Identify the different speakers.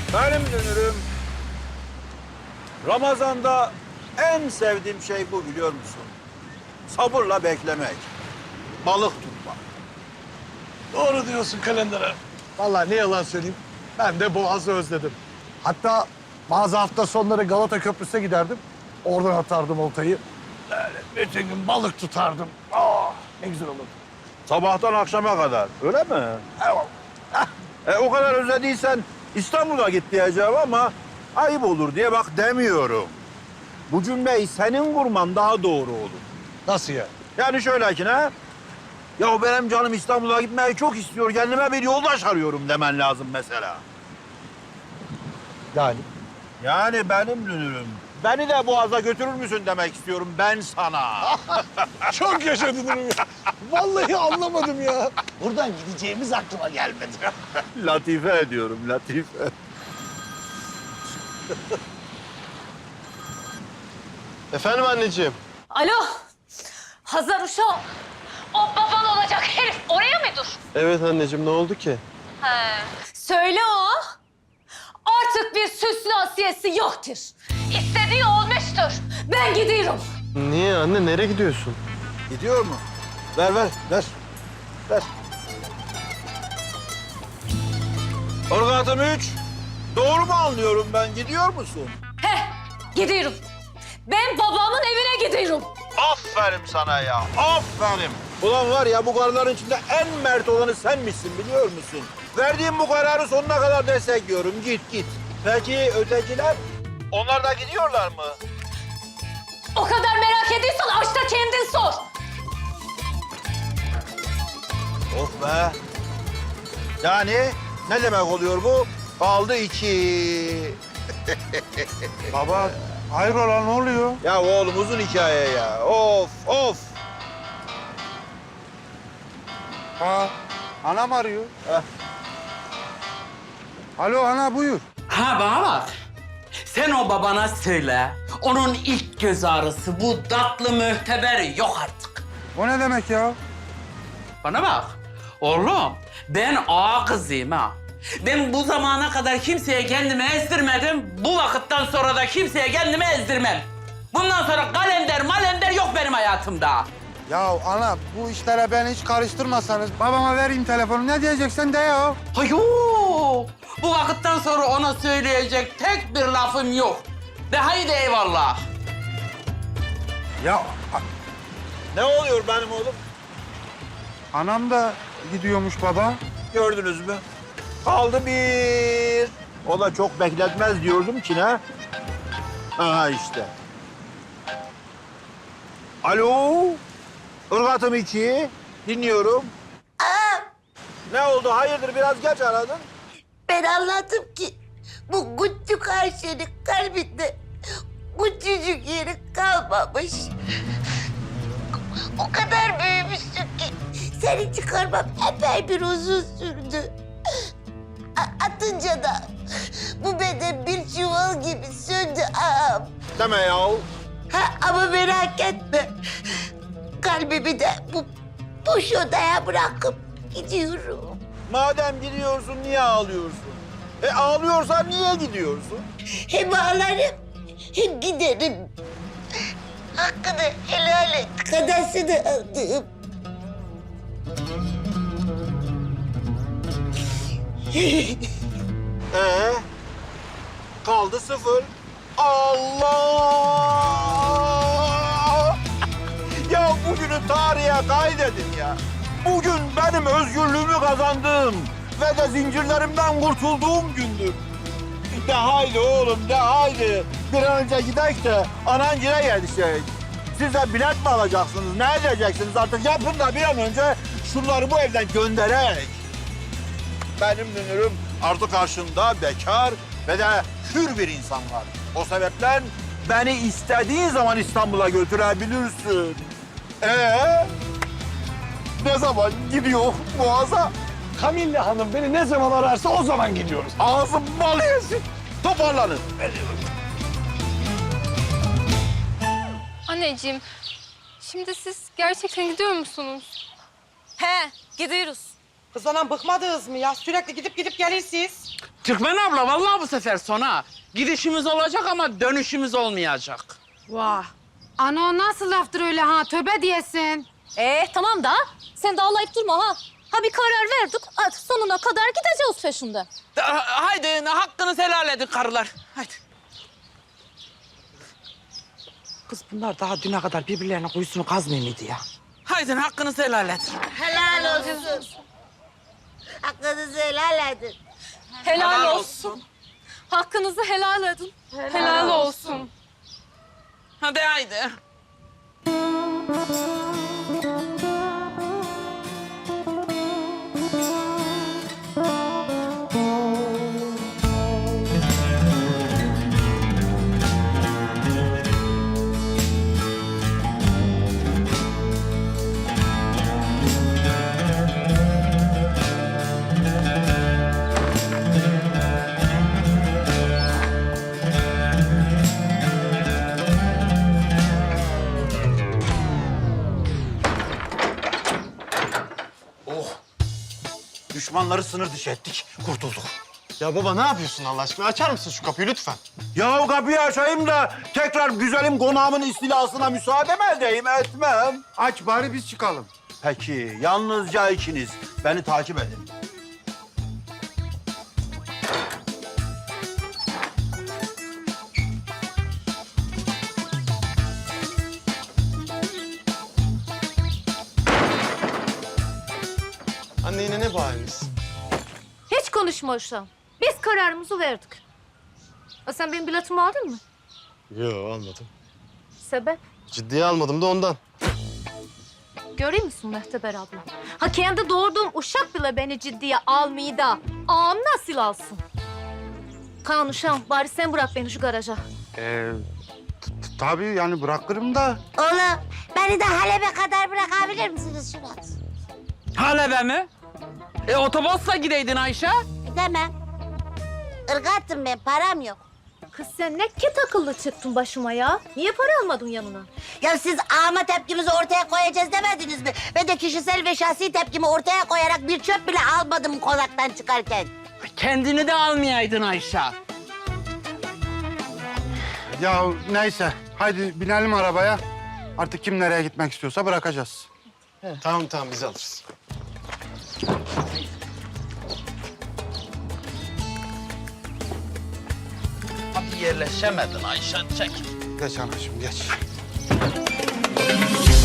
Speaker 1: Benim dönürüm. Ramazan'da en sevdiğim şey bu, biliyor musun? Sabırla beklemek. Balık tutmak.
Speaker 2: Doğru diyorsun Kalender. Vallahi ne yalan söyleyeyim, ben de Boğaz'ı özledim. Hatta bazı hafta sonları Galata Köprüsü'ne giderdim. Oradan atardım oltayı. Böyle bütün gün balık tutardım. Ah, ne güzel olurdu.
Speaker 1: Sabahtan akşama kadar. Öyle mi?
Speaker 2: Eyvallah.
Speaker 1: O kadar özlediysen İstanbul'a git diyeceğim ama ayıp olur diye bak demiyorum. Bu cümleyi senin kurman daha doğru olur.
Speaker 2: Nasıl ya?
Speaker 1: Yani şöyle ki ne? Ya benim canım İstanbul'a gitmeyi çok istiyor. Kendime bir yoldaş arıyorum demen lazım mesela.
Speaker 2: Yani?
Speaker 1: Yani benim dünürüm. Beni de Boğaz'a götürür müsün demek istiyorum ben sana.
Speaker 2: Çok yaşadın ya. Vallahi anlamadım ya. Buradan gideceğimiz aklıma gelmedi.
Speaker 1: Latife ediyorum, latife.
Speaker 3: Efendim anneciğim?
Speaker 4: Alo, Hazar uşağım. O baban olacak herif oraya mı dur?
Speaker 3: Evet anneciğim, ne oldu ki?
Speaker 4: Söyle o. Artık bir süslü asiyesi yoktur. İstediği olmuştur. Ben gidiyorum.
Speaker 3: Niye anne, nereye gidiyorsun?
Speaker 1: Gidiyor mu? Ver, ver, ver. Ver. Orgatım 3. Doğru mu anlıyorum ben? Gidiyor musun?
Speaker 4: He, gidiyorum. Ben babamın evine gidiyorum.
Speaker 1: Aferin sana ya, aferin. Ulan var ya, bu kararların içinde en mert olanı sen misin biliyor musun? Verdiğim bu kararı sonuna kadar destekliyorum. Git, git. Peki ötekiler? Onlar da gidiyorlar mı?
Speaker 4: O kadar merak ediyorsan aç da kendin sor.
Speaker 1: Oh be. Yani ne demek oluyor bu? Kaldı 2.
Speaker 5: Baba, hayrola ne oluyor?
Speaker 1: Ya oğlum uzun hikaye ya. Of, of.
Speaker 5: Ha, anam arıyor.
Speaker 1: Heh.
Speaker 5: Alo ana buyur.
Speaker 6: Ha bana bak. Sen o babana söyle. Onun ilk göz ağrısı bu tatlı mühteber yok artık.
Speaker 5: O ne demek ya?
Speaker 6: Bana bak. Oğlum ben ağa kızıyım ha. Ben bu zamana kadar kimseye kendimi ezdirmedim. Bu vakitten sonra da kimseye kendimi ezdirmem. Bundan sonra kalender yok benim hayatımda.
Speaker 5: Ya ana bu işlere beni hiç karıştırmasanız babama vereyim telefonu ne diyeceksen de ya.
Speaker 6: Hayır. Bu vakitten sonra ona söyleyecek tek bir lafım yok. De haydi eyvallah.
Speaker 5: Ya
Speaker 1: Ne oluyor benim oğlum?
Speaker 5: anam da gidiyormuş baba.
Speaker 1: Gördünüz mü? Kaldı 1. O da çok bekletmez diyordum ki ne? Aha işte. Alo? Irgatım 2. Dinliyorum. Ne oldu? Hayırdır biraz geç aradın?
Speaker 7: Ben anladım ki bu küçük Ayşe'nin kalbinde küçücük yeri kalmamış. O kadar büyümüşsün ki seni çıkarmam epey bir uzun sürdü. Atınca da bu beden bir çuval gibi söndü ağam.
Speaker 1: Deme yahu.
Speaker 7: Ha, ama merak etme. Kalbimi de bu boş odaya bırakıp gidiyorum.
Speaker 1: Madem gidiyorsun niye ağlıyorsun? Ağlıyorsan niye gidiyorsun?
Speaker 7: Hem ağlarım hem giderim. Hakkını helal et, kadasını aldım.
Speaker 1: Kaldı 0. Allah! Ya bugünü tarihe kaydedin ya. Bugün benim özgürlüğümü kazandığım ve de zincirlerimden kurtulduğum gündür. De haydi oğlum, de haydi. Bir an önce gidelim de anancına yetişelim. Siz de bilet mi alacaksınız, ne edeceksiniz artık? Yapın da bir an önce şunları bu evden göndererek. Benim dünürüm artık karşında bekar ve de hür bir insan var. O sebepten beni istediğin zaman İstanbul'a götürebilirsin. Ne zaman gidiyor Boğaz'a?
Speaker 2: Kamille Hanım beni ne zaman ararsa o zaman gidiyoruz.
Speaker 1: Ağzım bal yesin. Toparlanın.
Speaker 8: Anneciğim, şimdi siz gerçekten gidiyor musunuz?
Speaker 4: He, gidiyoruz.
Speaker 9: Kız anam bıkmadınız mı ya? Sürekli gidip gelirsiniz.
Speaker 6: Türkmen abla vallahi bu sefer sona. Gidişimiz olacak ama dönüşümüz olmayacak.
Speaker 8: Vah. Ana o nasıl laftır öyle ha? Tövbe diyesin.
Speaker 4: Tamam da sen de ağlayıp durma ha. Ha bir karar verdik. Artık sonuna kadar gideceğiz peşinde.
Speaker 6: Haydi hakkınızı helal edin karılar. Haydi. Kız bunlar daha düne kadar birbirlerine kuyusunu kazmıyor muydu ya? Haydi hakkınızı helal edin.
Speaker 7: Helal olsun. Hakkınızı helal edin.
Speaker 4: Helal olsun. Hakkınızı helal edin.
Speaker 8: Helal olsun.
Speaker 6: Hadi haydi.
Speaker 1: Düşmanları sınır dışı ettik, kurtulduk.
Speaker 3: Ya baba ne yapıyorsun Allah aşkına? Açar mısın şu kapıyı lütfen?
Speaker 1: Ya kapıyı açayım da tekrar güzelim konağımın istilasına müsaade mi edeyim? Etmem.
Speaker 5: Aç bari biz çıkalım.
Speaker 1: Peki, yalnızca ikiniz. Beni takip edin.
Speaker 3: Anne yine ne bu haliniz?
Speaker 4: Hiç konuşma uşağım. Biz kararımızı verdik. Sen benim biletimi aldın mı?
Speaker 3: Yok almadım.
Speaker 4: Sebep?
Speaker 3: Ciddiye almadım da ondan.
Speaker 4: Görüyor musun Mehteber abla? Ha kendi doğurduğum uşak bile beni ciddiye almayı da ağam nasıl alsın? Kaan uşağım bari sen bırak beni şu garaja.
Speaker 5: Tabii yani bırakırım da.
Speaker 7: Oğlum beni de Halep'e kadar bırakabilir misiniz Şubat?
Speaker 6: Halebe mi? Otobüsle gideydin Ayşe.
Speaker 7: Demem. Irgattım ben, param yok.
Speaker 4: Kız sen ne ket akıllı çıktın başıma ya. Niye para almadın yanına?
Speaker 7: Ya siz ağama tepkimizi ortaya koyacağız demediniz mi? Ben de kişisel ve şahsi tepkimi ortaya koyarak bir çöp bile almadım konaktan çıkarken.
Speaker 6: Kendini de almayaydın Ayşe.
Speaker 5: Ya neyse. Haydi binelim arabaya. Artık kim nereye gitmek istiyorsa bırakacağız.
Speaker 3: Tamam tamam biz alırız.
Speaker 6: Abi yerleşemedin Ayşe. Çek.
Speaker 5: Geç anacığım geç.